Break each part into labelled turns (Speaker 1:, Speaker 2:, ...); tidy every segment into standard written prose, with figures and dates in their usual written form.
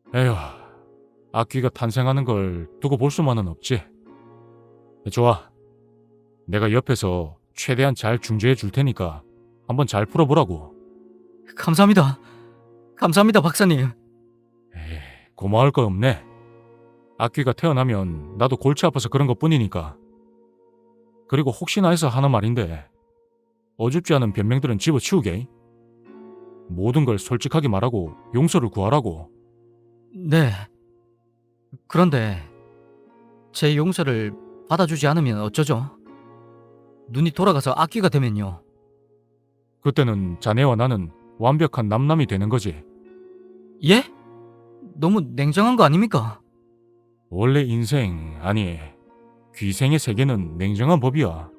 Speaker 1: 에휴, 악귀가 탄생하는 걸 두고 볼 수만은 없지. 좋아, 내가 옆에서 최대한 잘 중재해 줄 테니까 한번 잘 풀어보라고.
Speaker 2: 감사합니다. 감사합니다, 박사님.
Speaker 1: 에이, 고마울 거 없네. 악귀가 태어나면 나도 골치 아파서 그런 것뿐이니까. 그리고 혹시나 해서 하는 말인데 어줍지 않은 변명들은 집어치우게. 모든 걸 솔직하게 말하고 용서를 구하라고.
Speaker 2: 네. 그런데 제 용서를 받아주지 않으면 어쩌죠? 눈이 돌아가서 악귀가 되면요.
Speaker 1: 그때는 자네와 나는 완벽한 남남이 되는 거지.
Speaker 2: 예? 너무 냉정한 거 아닙니까?
Speaker 1: 원래 인생, 아니 귀생의 세계는 냉정한 법이야.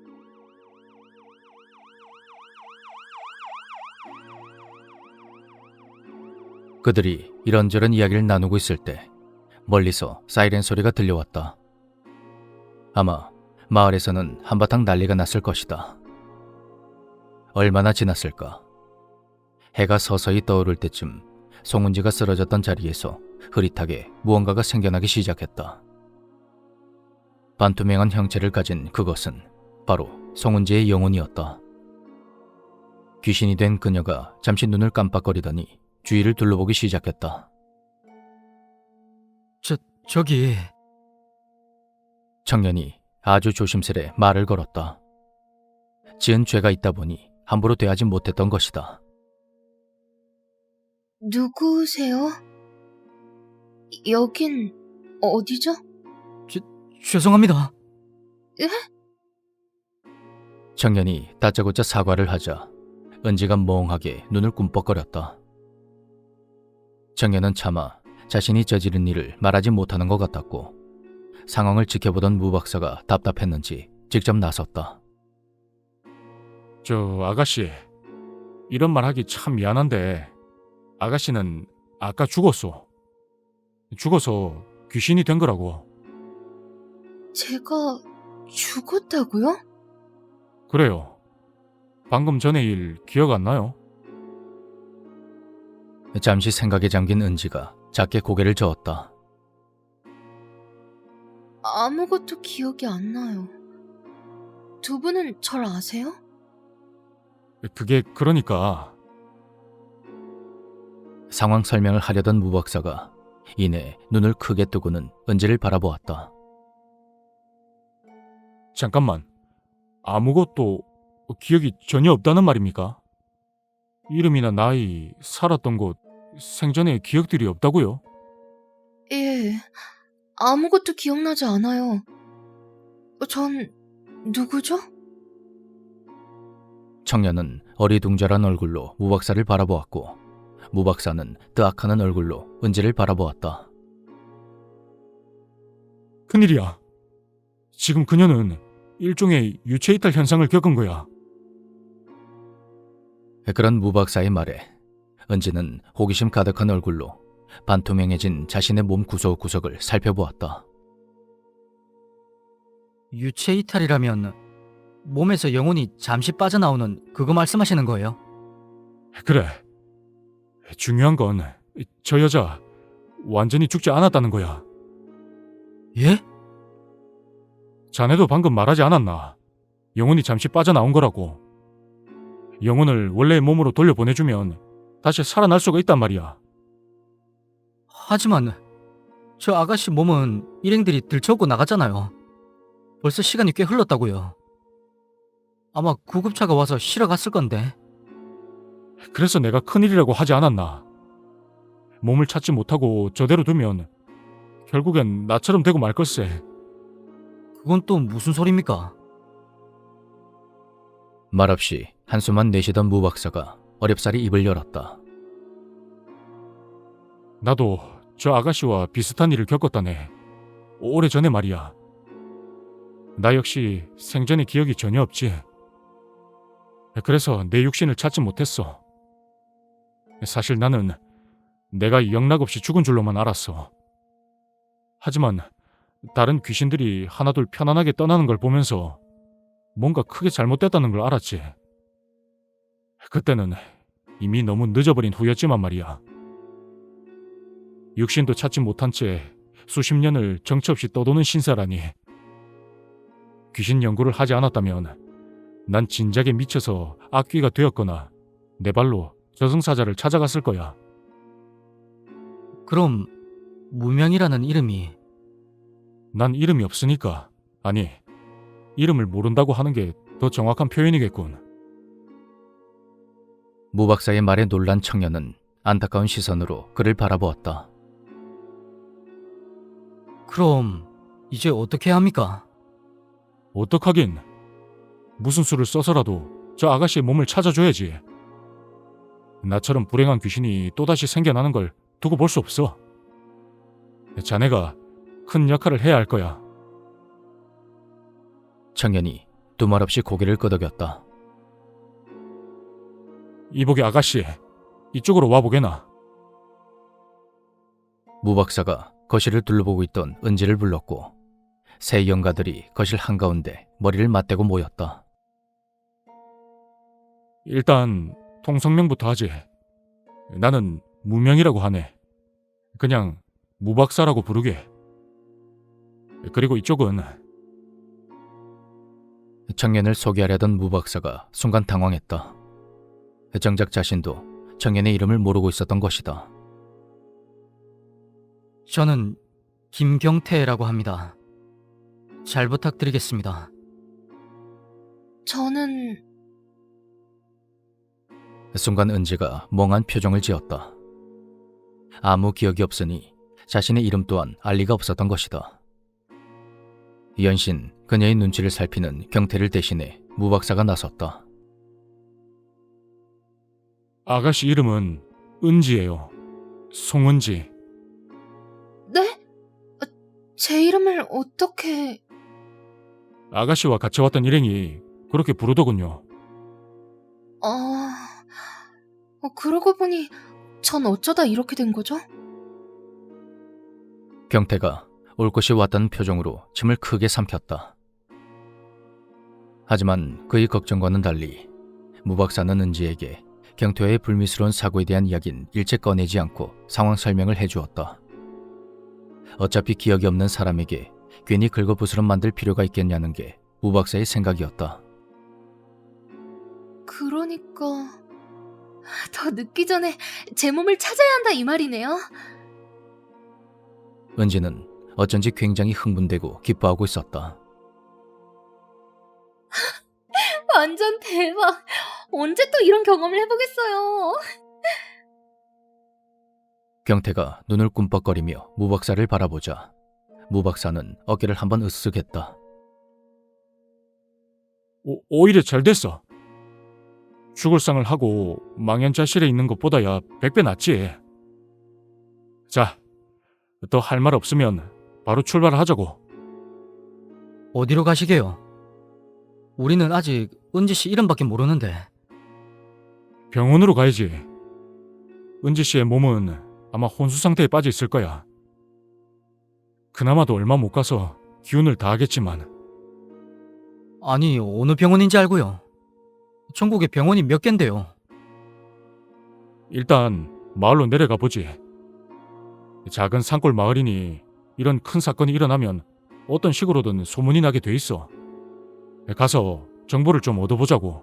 Speaker 3: 그들이 이런저런 이야기를 나누고 있을 때 멀리서 사이렌 소리가 들려왔다. 아마 마을에서는 한바탕 난리가 났을 것이다. 얼마나 지났을까? 해가 서서히 떠오를 때쯤 송은지가 쓰러졌던 자리에서 흐릿하게 무언가가 생겨나기 시작했다. 반투명한 형체를 가진 그것은 바로 송은지의 영혼이었다. 귀신이 된 그녀가 잠시 눈을 깜빡거리더니 주위를 둘러보기 시작했다.
Speaker 2: 저기...
Speaker 3: 청년이 아주 조심스레 말을 걸었다. 지은 죄가 있다 보니 함부로 대하지 못했던 것이다.
Speaker 4: 누구세요? 여긴 어디죠?
Speaker 2: 죄송합니다.
Speaker 3: 청년이 다짜고짜 사과를 하자 은지가 멍하게 눈을 꿈뻑거렸다. 청년은 차마 자신이 저지른 일을 말하지 못하는 것 같았고 상황을 지켜보던 무 박사가 답답했는지 직접 나섰다.
Speaker 1: 저 아가씨, 이런 말 하기 참 미안한데 아가씨는 아까 죽었어. 죽어서 귀신이 된 거라고.
Speaker 4: 제가 죽었다고요?
Speaker 1: 그래요. 방금 전의 일 기억 안 나요?
Speaker 3: 잠시 생각에 잠긴 은지가 작게 고개를 저었다.
Speaker 4: 아무것도 기억이 안 나요. 두 분은 절 아세요?
Speaker 1: 그게 그러니까
Speaker 3: 상황 설명을 하려던 무 박사가 이내 눈을 크게 뜨고는 은지를 바라보았다.
Speaker 1: 잠깐만, 아무것도 기억이 전혀 없다는 말입니까? 이름이나 나이, 살았던 곳, 생전의 기억들이 없다고요?
Speaker 4: 예, 아무것도 기억나지 않아요. 전 누구죠?
Speaker 3: 청년은 어리둥절한 얼굴로 무 박사를 바라보았고 무 박사는 뜨악하는 얼굴로 은지를 바라보았다.
Speaker 1: 큰일이야. 지금 그녀는 일종의 유체이탈 현상을 겪은 거야.
Speaker 3: 그런 무 박사의 말에 은지는 호기심 가득한 얼굴로 반투명해진 자신의 몸 구석구석을 살펴보았다.
Speaker 2: 유체 이탈이라면 몸에서 영혼이 잠시 빠져나오는 그거 말씀하시는 거예요?
Speaker 1: 그래. 중요한 건 저 여자 완전히 죽지 않았다는 거야.
Speaker 2: 예?
Speaker 1: 자네도 방금 말하지 않았나? 영혼이 잠시 빠져나온 거라고. 영혼을 원래의 몸으로 돌려보내주면 다시 살아날 수가 있단 말이야.
Speaker 2: 하지만 저 아가씨 몸은 일행들이 들쳐오고 나갔잖아요. 벌써 시간이 꽤 흘렀다고요. 아마 구급차가 와서 실어 갔을 건데.
Speaker 1: 그래서 내가 큰일이라고 하지 않았나? 몸을 찾지 못하고 저대로 두면 결국엔 나처럼 되고 말 걸세.
Speaker 2: 그건 또 무슨 소리입니까?
Speaker 3: 말없이 한숨만 내쉬던 무 박사가 어렵사리 입을 열었다.
Speaker 1: 나도 저 아가씨와 비슷한 일을 겪었다네. 오래전에 말이야. 나 역시 생전의 기억이 전혀 없지. 그래서 내 육신을 찾지 못했어. 사실 나는 내가 영락없이 죽은 줄로만 알았어. 하지만 다른 귀신들이 하나둘 편안하게 떠나는 걸 보면서 뭔가 크게 잘못됐다는 걸 알았지. 그때는 이미 너무 늦어버린 후였지만 말이야. 육신도 찾지 못한 채 수십 년을 정처 없이 떠도는 신사라니. 귀신 연구를 하지 않았다면 난 진작에 미쳐서 악귀가 되었거나 내 발로 저승사자를 찾아갔을 거야.
Speaker 2: 그럼 무명이라는 이름이
Speaker 1: 난 이름이 없으니까, 아니, 이름을 모른다고 하는 게 더 정확한 표현이겠군.
Speaker 3: 무 박사의 말에 놀란 청년은 안타까운 시선으로 그를 바라보았다.
Speaker 2: 그럼 이제 어떻게 합니까?
Speaker 1: 어떡하긴. 무슨 수를 써서라도 저 아가씨의 몸을 찾아줘야지. 나처럼 불행한 귀신이 또다시 생겨나는 걸 두고 볼 수 없어. 자네가 큰 역할을 해야 할 거야.
Speaker 3: 청년이 두말 없이 고개를 끄덕였다.
Speaker 1: 이보게 아가씨, 이쪽으로 와보게나.
Speaker 3: 무 박사가 거실을 둘러보고 있던 은지를 불렀고 세 영가들이 거실 한가운데 머리를 맞대고 모였다.
Speaker 1: 일단 통성명부터 하지. 나는 무명이라고 하네. 그냥 무박사라고 부르게. 그리고 이쪽은
Speaker 3: 청년을 소개하려던 무 박사가 순간 당황했다. 정작 자신도 청년의 이름을 모르고 있었던 것이다.
Speaker 2: 저는 김경태라고 합니다. 잘 부탁드리겠습니다.
Speaker 4: 저는
Speaker 3: 순간 은지가 멍한 표정을 지었다. 아무 기억이 없으니 자신의 이름 또한 알 리가 없었던 것이다. 연신 그녀의 눈치를 살피는 경태를 대신해 무 박사가 나섰다.
Speaker 1: 아가씨 이름은 은지예요. 송은지.
Speaker 4: 네? 제 이름을 어떻게...
Speaker 1: 아가씨와 같이 왔던 일행이 그렇게 부르더군요.
Speaker 4: 그러고 보니 전 어쩌다 이렇게 된 거죠?
Speaker 3: 경태가 올 것이 왔다는 표정으로 침을 크게 삼켰다. 하지만 그의 걱정과는 달리 무 박사는 은지에게 경태와의 불미스러운 사고에 대한 이야기는 일체 꺼내지 않고 상황 설명을 해주었다. 어차피 기억이 없는 사람에게 괜히 긁어부스럼 만들 필요가 있겠냐는 게 무 박사의 생각이었다.
Speaker 4: 그러니까... 더 늦기 전에 제 몸을 찾아야 한다 이 말이네요.
Speaker 3: 은지는 어쩐지 굉장히 흥분되고 기뻐하고 있었다.
Speaker 4: 완전 대박. 언제 또 이런 경험을 해보겠어요.
Speaker 3: 경태가 눈을 꿈뻑거리며 무 박사를 바라보자 무 박사는 어깨를 한번 으쓱 했다.
Speaker 1: 오히려 잘 됐어. 죽을 상을 하고 망연자실에 있는 것보다야 100배 낫지. 자, 더 할 말 없으면 바로 출발하자고.
Speaker 2: 어디로 가시게요? 우리는 아직 은지 씨 이름밖에 모르는데.
Speaker 1: 병원으로 가야지. 은지 씨의 몸은 아마 혼수 상태에 빠져 있을 거야. 그나마도 얼마 못 가서 기운을 다하겠지만.
Speaker 2: 아니, 어느 병원인지 알고요. 전국에 병원이 몇 갠데요.
Speaker 1: 일단 마을로 내려가 보지. 작은 산골 마을이니 이런 큰 사건이 일어나면 어떤 식으로든 소문이 나게 돼 있어. 가서 정보를 좀 얻어보자고.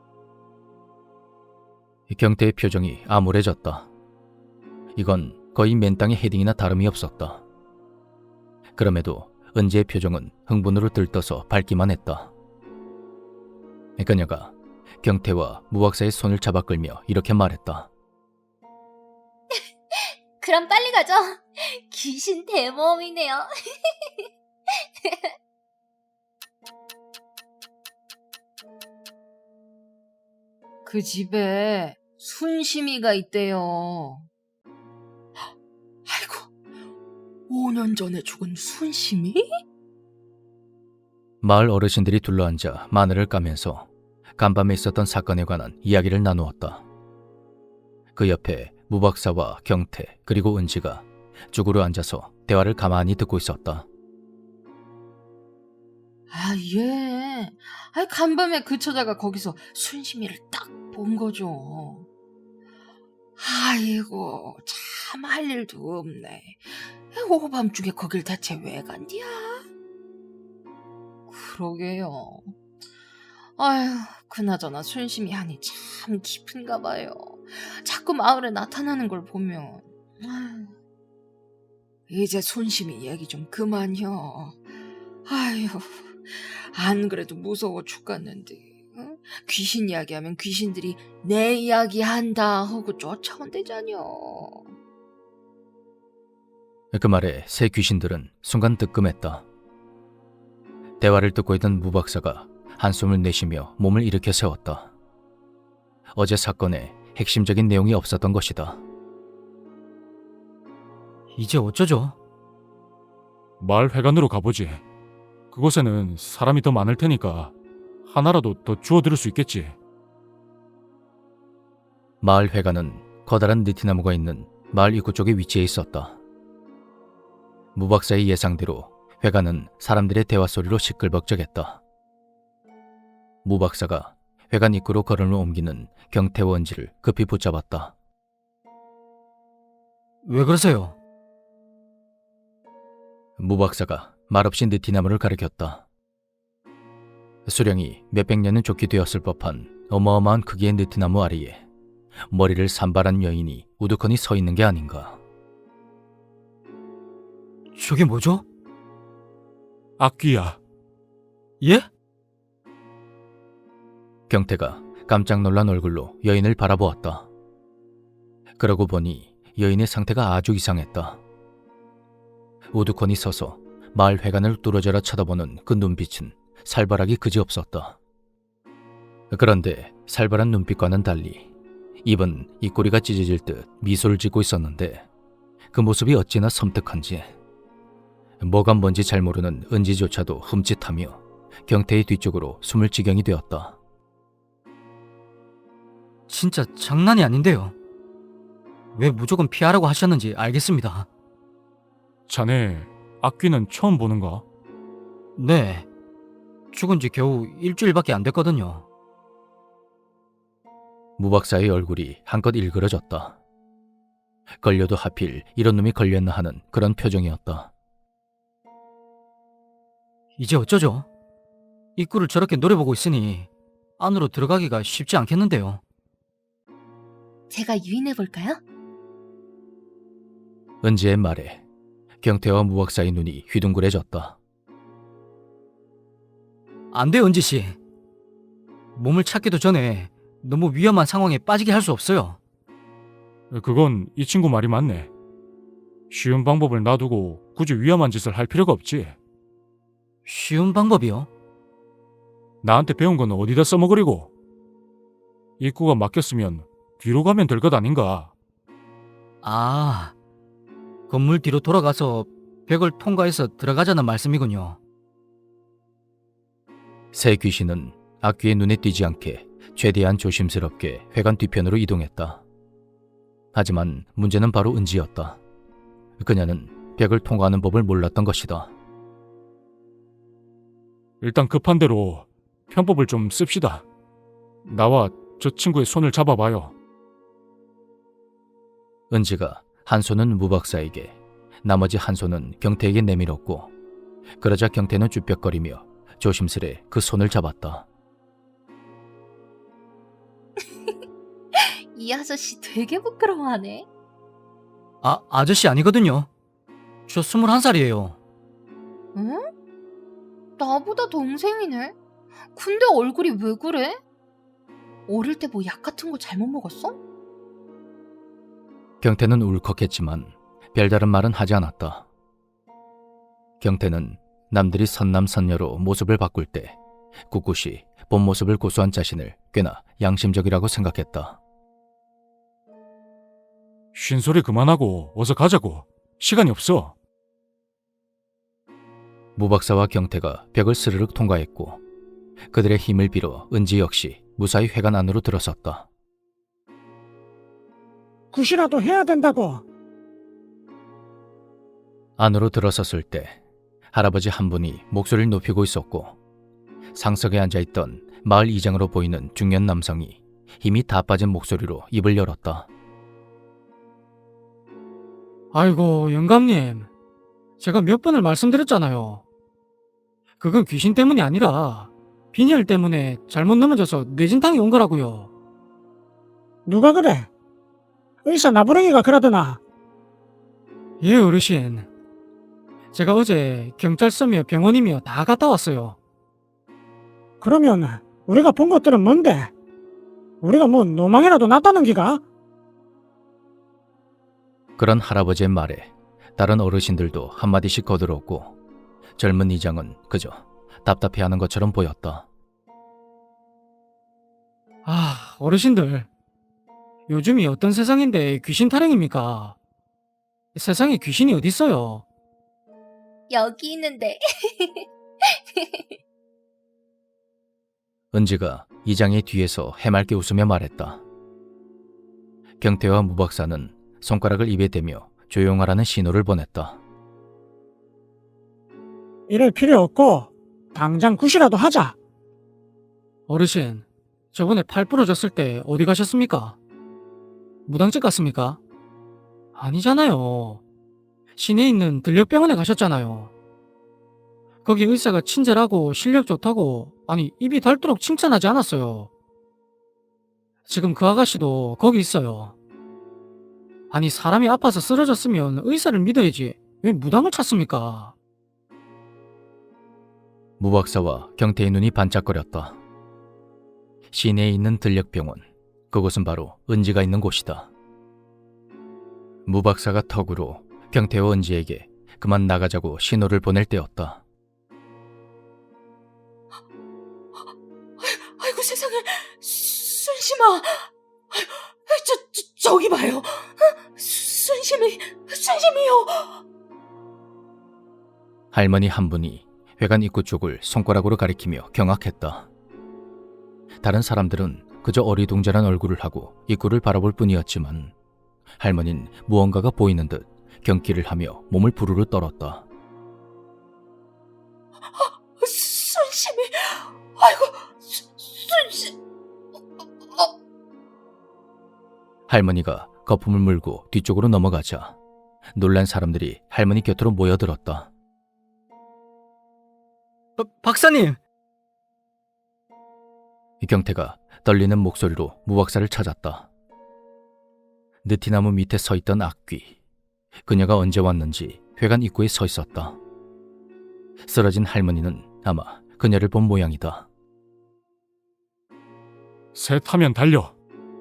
Speaker 3: 경태의 표정이 암울해졌다. 이건 거의 맨땅에 헤딩이나 다름이 없었다. 그럼에도 은지의 표정은 흥분으로 들떠서 밝기만 했다. 그녀가 경태와 무 박사의 손을 잡아 끌며 이렇게 말했다.
Speaker 4: 그럼 빨리 가죠. 귀신 대모험이네요. 그 집에 순심이가 있대요. 아이고, 5년 전에 죽은 순심이?
Speaker 3: 마을 어르신들이 둘러앉아 마늘을 까면서 간밤에 있었던 사건에 관한 이야기를 나누었다. 그 옆에 무 박사와 경태 그리고 은지가 쭈그려 앉아서 대화를 가만히 듣고 있었다.
Speaker 4: 예. 간밤에 그 처자가 거기서 순심이를 딱 본 거죠. 아이고,
Speaker 5: 참 할 일도 없네. 오밤중에 거길 대체 왜 간디야? 그러게요. 아휴, 그나저나 순심이 한이 참 깊은가 봐요. 자꾸 마을에 나타나는 걸 보면. 아휴, 이제 순심이 얘기 좀 그만요. 아휴, 안 그래도 무서워 죽겠는데. 응? 귀신 이야기하면 귀신들이 내 이야기 한다 하고 쫓아온대잖여.
Speaker 3: 그 말에 새 귀신들은 순간 뜨끔했다. 대화를 듣고 있던 무 박사가 한숨을 내쉬며 몸을 일으켜 세웠다. 어제 사건에 핵심적인 내용이 없었던 것이다.
Speaker 2: 이제 어쩌죠?
Speaker 1: 마을 회관으로 가보지. 그곳에는 사람이 더 많을 테니까 하나라도 더 주워들을 수 있겠지.
Speaker 3: 마을 회관은 커다란 느티나무가 있는 마을 입구 쪽에 위치해 있었다. 무 박사의 예상대로 회관은 사람들의 대화 소리로 시끌벅적했다. 무 박사가 회관 입구로 걸음을 옮기는 경태와 은지를 급히 붙잡았다.
Speaker 2: 왜 그러세요?
Speaker 3: 무 박사가 말없이 느티나무를 가리켰다. 수령이 몇백 년은 좋게 되었을 법한 어마어마한 크기의 느티나무 아래에 머리를 산발한 여인이 우두커니 서 있는 게 아닌가.
Speaker 2: 저게 뭐죠?
Speaker 1: 악귀야.
Speaker 2: 예?
Speaker 3: 경태가 깜짝 놀란 얼굴로 여인을 바라보았다. 그러고 보니 여인의 상태가 아주 이상했다. 우두커니 서서 마을 회관을 뚫어져라 쳐다보는 그 눈빛은 살벌하기 그지없었다. 그런데 살벌한 눈빛과는 달리 입은 입꼬리가 찢어질 듯 미소를 짓고 있었는데 그 모습이 어찌나 섬뜩한지 뭐가 뭔지 잘 모르는 은지조차도 흠칫하며 경태의 뒤쪽으로 숨을 지경이 되었다.
Speaker 2: 진짜 장난이 아닌데요. 왜 무조건 피하라고 하셨는지 알겠습니다.
Speaker 1: 자네 악귀는 처음 보는가?
Speaker 2: 네. 죽은 지 겨우 일주일밖에 안 됐거든요.
Speaker 3: 무 박사의 얼굴이 한껏 일그러졌다. 걸려도 하필 이런 놈이 걸렸나 하는 그런 표정이었다.
Speaker 2: 이제 어쩌죠? 입구를 저렇게 노려보고 있으니 안으로 들어가기가 쉽지 않겠는데요.
Speaker 4: 제가 유인해볼까요?
Speaker 3: 은지의 말에 경태와 무 박사의 눈이 휘둥그레졌다.
Speaker 2: 안 돼요, 은지씨. 몸을 찾기도 전에 너무 위험한 상황에 빠지게 할 수 없어요.
Speaker 1: 그건 이 친구 말이 맞네. 쉬운 방법을 놔두고 굳이 위험한 짓을 할 필요가 없지.
Speaker 2: 쉬운 방법이요?
Speaker 1: 나한테 배운 건 어디다 써먹으리고. 입구가 막혔으면 뒤로 가면 될 것 아닌가.
Speaker 2: 아, 건물 뒤로 돌아가서 벽을 통과해서 들어가자는 말씀이군요.
Speaker 3: 새 귀신은 악귀의 눈에 띄지 않게 최대한 조심스럽게 회관 뒤편으로 이동했다. 하지만 문제는 바로 은지였다. 그녀는 벽을 통과하는 법을 몰랐던 것이다.
Speaker 1: 일단 급한 대로 편법을 좀 씁시다. 나와 저 친구의 손을 잡아봐요.
Speaker 3: 은지가 한 손은 무 박사에게, 나머지 한 손은 경태에게 내밀었고, 그러자 경태는 쭈뼛거리며 조심스레 그 손을 잡았다.
Speaker 4: 이 아저씨 되게 부끄러워하네.
Speaker 2: 아저씨 아니거든요. 저 21살이에요.
Speaker 4: 응? 나보다 동생이네. 근데 얼굴이 왜 그래? 어릴 때 뭐 약 같은 거 잘못 먹었어?
Speaker 3: 경태는 울컥했지만 별다른 말은 하지 않았다. 경태는 남들이 선남선녀로 모습을 바꿀 때 꿋꿋이 본 모습을 고수한 자신을 꽤나 양심적이라고 생각했다.
Speaker 1: 쉰소리 그만하고 어서 가자고. 시간이 없어.
Speaker 3: 무 박사와 경태가 벽을 스르륵 통과했고 그들의 힘을 빌어 은지 역시 무사히 회관 안으로 들어섰다.
Speaker 6: 굿이라도 해야 된다고.
Speaker 3: 안으로 들어섰을 때 할아버지 한 분이 목소리를 높이고 있었고 상석에 앉아있던 마을 이장으로 보이는 중년 남성이 힘이 다 빠진 목소리로 입을 열었다.
Speaker 2: 아이고, 영감님. 제가 몇 번을 말씀드렸잖아요. 그건 귀신 때문이 아니라 빈혈 때문에 잘못 넘어져서 뇌진탕이 온 거라고요.
Speaker 6: 누가 그래? 의사 나부랭이가 그러더나.
Speaker 2: 예, 어르신. 제가 어제 경찰서며 병원이며 다 갔다 왔어요.
Speaker 6: 그러면 우리가 본 것들은 뭔데? 우리가 뭐 노망이라도 났다는 기가?
Speaker 3: 그런 할아버지의 말에 다른 어르신들도 한마디씩 거들었고 젊은 이장은 그저 답답해하는 것처럼 보였다.
Speaker 2: 아, 어르신들. 요즘이 어떤 세상인데 귀신 타령입니까? 세상에 귀신이 어딨어요?
Speaker 4: 여기 있는데.
Speaker 3: 은지가 이장의 뒤에서 해맑게 웃으며 말했다. 경태와 무박사는 손가락을 입에 대며 조용하라는 신호를 보냈다.
Speaker 6: 이럴 필요 없고 당장 굿이라도 하자.
Speaker 2: 어르신, 저번에 팔 부러졌을 때 어디 가셨습니까? 무당집 갔습니까? 아니잖아요. 시내에 있는 들녘병원에 가셨잖아요. 거기 의사가 친절하고 실력 좋다고, 아니, 입이 닳도록 칭찬하지 않았어요. 지금 그 아가씨도 거기 있어요. 아니, 사람이 아파서 쓰러졌으면 의사를 믿어야지 왜 무당을 찾습니까?
Speaker 3: 무박사와 경태의 눈이 반짝거렸다. 시내에 있는 들녘병원, 그곳은 바로 은지가 있는 곳이다. 무박사가 턱으로 경태와 은지에게 그만 나가자고 신호를 보낼 때였다.
Speaker 5: 아이고 세상에, 순심아. 저기 봐요. 순심이요.
Speaker 3: 할머니 한 분이 회관 입구 쪽을 손가락으로 가리키며 경악했다. 다른 사람들은 그저 어리둥절한 얼굴을 하고 입구를 바라볼 뿐이었지만 할머니는 무언가가 보이는 듯 경기를 하며 몸을 부르르 떨었다.
Speaker 5: 순심이. 아이고, 순심.
Speaker 3: 할머니가 거품을 물고 뒤쪽으로 넘어가자 놀란 사람들이 할머니 곁으로 모여들었다.
Speaker 2: 박사님!
Speaker 3: 경태가 떨리는 목소리로 무박사를 찾았다. 느티나무 밑에 서 있던 악귀. 그녀가 언제 왔는지 회관 입구에 서 있었다. 쓰러진 할머니는 아마 그녀를 본 모양이다.
Speaker 1: 새 타면 달려.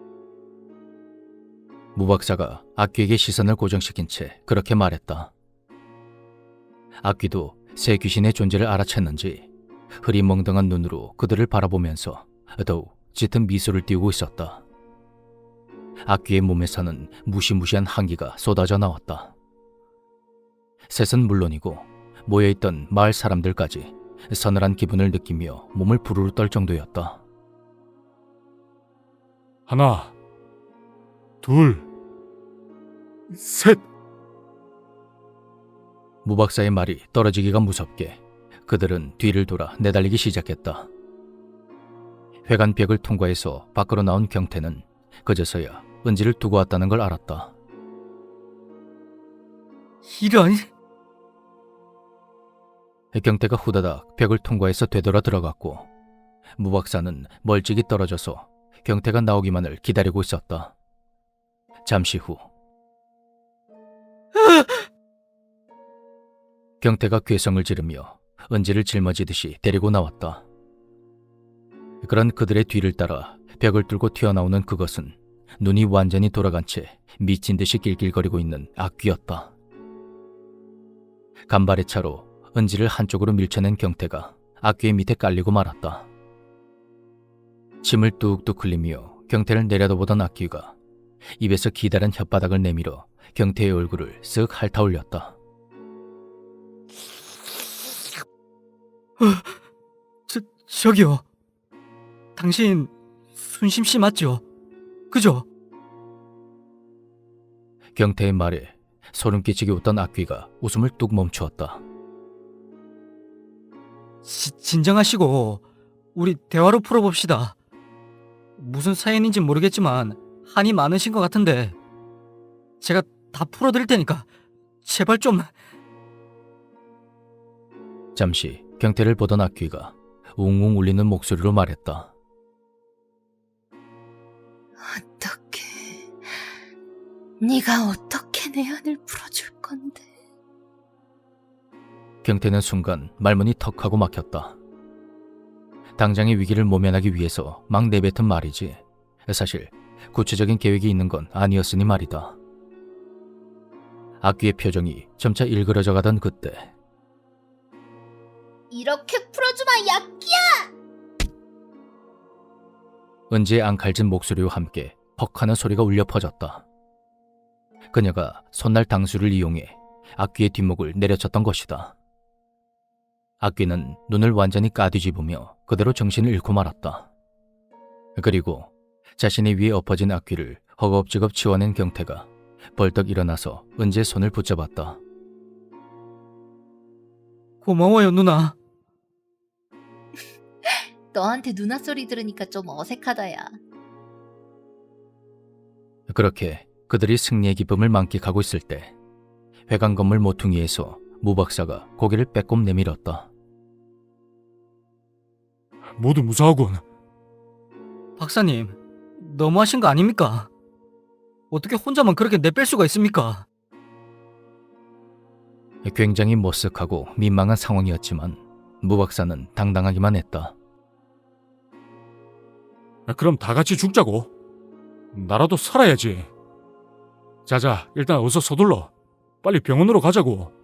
Speaker 3: 무박사가 악귀에게 시선을 고정시킨 채 그렇게 말했다. 악귀도 새 귀신의 존재를 알아챘는지 흐리멍덩한 눈으로 그들을 바라보면서 더욱 짙은 미소를 띄우고 있었다. 악귀의 몸에서는 무시무시한 한기가 쏟아져 나왔다. 셋은 물론이고 모여있던 마을 사람들까지 서늘한 기분을 느끼며 몸을 부르르 떨 정도였다.
Speaker 1: 하나, 둘, 셋.
Speaker 3: 무박사의 말이 떨어지기가 무섭게 그들은 뒤를 돌아 내달리기 시작했다. 회관 벽을 통과해서 밖으로 나온 경태는 그제서야 은지를 두고 왔다는 걸 알았다.
Speaker 2: 이런...
Speaker 3: 경태가 후다닥 벽을 통과해서 되돌아 들어갔고 무박사는 멀찍이 떨어져서 경태가 나오기만을 기다리고 있었다. 잠시 후 경태가 괴성을 지르며 은지를 짊어지듯이 데리고 나왔다. 그런 그들의 뒤를 따라 벽을 뚫고 튀어나오는 그것은 눈이 완전히 돌아간 채 미친 듯이 낄낄거리고 있는 악귀였다. 간발의 차로 은지를 한쪽으로 밀쳐낸 경태가 악귀의 밑에 깔리고 말았다. 침을 뚝뚝 흘리며 경태를 내려다보던 악귀가 입에서 기다란 혓바닥을 내밀어 경태의 얼굴을 쓱 핥아올렸다.
Speaker 2: 저기요. 당신 순심 씨 맞죠? 그죠?
Speaker 3: 경태의 말에 소름 끼치게 웃던 악귀가 웃음을 뚝 멈추었다.
Speaker 2: 진정하시고 우리 대화로 풀어봅시다. 무슨 사연인지 모르겠지만 한이 많으신 것 같은데 제가 다 풀어드릴 테니까 제발 좀.
Speaker 3: 잠시 경태를 보던 악귀가 웅웅 울리는 목소리로 말했다.
Speaker 5: 어떻게? 네가 어떻게 내 한을 풀어줄 건데?
Speaker 3: 경태는 순간 말문이 턱하고 막혔다. 당장의 위기를 모면하기 위해서 막 내뱉은 말이지 사실 구체적인 계획이 있는 건 아니었으니 말이다. 악귀의 표정이 점차 일그러져 가던 그때
Speaker 4: 이렇게 풀어주마, 약기야!
Speaker 3: 은지의 앙칼진 목소리와 함께 퍽 하는 소리가 울려 퍼졌다. 그녀가 손날 당수를 이용해 악귀의 뒷목을 내려쳤던 것이다. 악귀는 눈을 완전히 까뒤집으며 그대로 정신을 잃고 말았다. 그리고 자신의 위에 엎어진 악귀를 허겁지겁 치워낸 경태가 벌떡 일어나서 은지의 손을 붙잡았다.
Speaker 2: 고마워요, 누나.
Speaker 4: 너한테 누나 소리 들으니까 좀 어색하다, 야.
Speaker 3: 그렇게 그들이 승리의 기쁨을 만끽하고 있을 때 회관 건물 모퉁이에서 무 박사가 고개를 빼꼼 내밀었다.
Speaker 1: 모두 무사하군.
Speaker 2: 박사님, 너무하신 거 아닙니까? 어떻게 혼자만 그렇게 내뺄 수가 있습니까?
Speaker 3: 굉장히 머쓱하고 민망한 상황이었지만 무 박사는 당당하기만 했다.
Speaker 1: 그럼 다 같이 죽자고. 나라도 살아야지. 자자, 일단 어서 서둘러. 빨리 병원으로 가자고.